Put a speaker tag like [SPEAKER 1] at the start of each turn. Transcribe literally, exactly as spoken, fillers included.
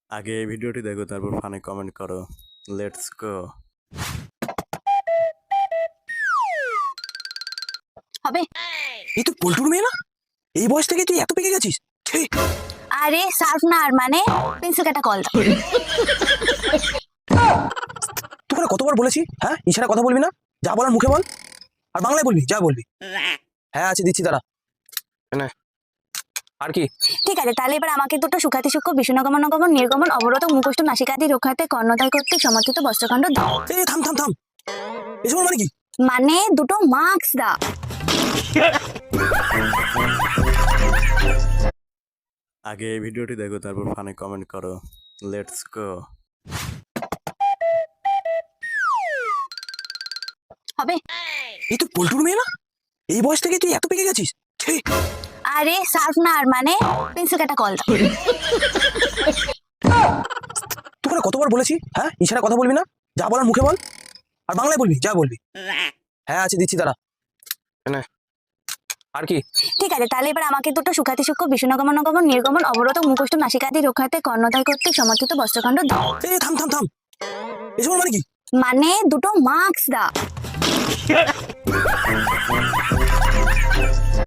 [SPEAKER 1] আগে এই ভিডিওটি দেখো, তারপর ফানে কমেন্ট করো। Let's go.
[SPEAKER 2] হবে।
[SPEAKER 3] এই তো পল্টুর মেয়ে না? এই বয়স থেকে তুই এত পেকে গেছিস? ছি!
[SPEAKER 2] আরে সার্ফ না, আর মানে পেন্সিল কাটা কল দাও।
[SPEAKER 3] তোকে না কতবার বলেছি, হ্যাঁ ইশারা কথা বলবি না, যা বলার মুখে বল, আর বাংলায় বলবি যা বলবি। হ্যাঁ আছে, দিচ্ছি দাঁড়া। না আর কি?
[SPEAKER 2] ঠিক আছে, তাহলে এবার আমাকে দুটো সুখাতি সূক্ষ্ম বিষ্ণুগমন গমন নির্গমন অবরত মুখষ্ট নাসিকাদি রক্ষাতে কর্ণদায় কর্তৃক সমর্থিত বস্ত্রখণ্ড দাও।
[SPEAKER 3] এই থাম থাম থাম, এসব মানে কি?
[SPEAKER 2] মানে দুটো মার্কস দাও।
[SPEAKER 1] আগে এই ভিডিওটি দেখো, তারপর ফানে কমেন্ট করো। Let's go.
[SPEAKER 2] হবে।
[SPEAKER 3] এই তো পল্টুর মেয়ে না? এই বয়স থেকে তুই এত পেকে গেছিস? ছি!
[SPEAKER 2] আরে সার্ফ না, আর মানে পেন্সিল কাটা কল দাও।
[SPEAKER 3] তোকে না কতবার বলেছি, হ্যাঁ ইশারা কথা বলবি না, যা বলার মুখে বল, আর বাংলায় বলবি যা বলবি। হ্যাঁ আছে, দিচ্ছি দাঁড়া। না আর কি?
[SPEAKER 2] ঠিক আছে, তাহলে এবার আমাকে দুটো সুখাতি সূক্ষ্ম বিষ্ণুগমন গমন নির্গমন অবরত মুখষ্ট নাসিকাদি রক্ষাতে কর্ণদায় কর্তৃক সমর্থিত বস্ত্রখণ্ড দাও।
[SPEAKER 3] এই থাম থাম থাম, এসব মানে কি?
[SPEAKER 2] মানে দুটো মার্কস দাও।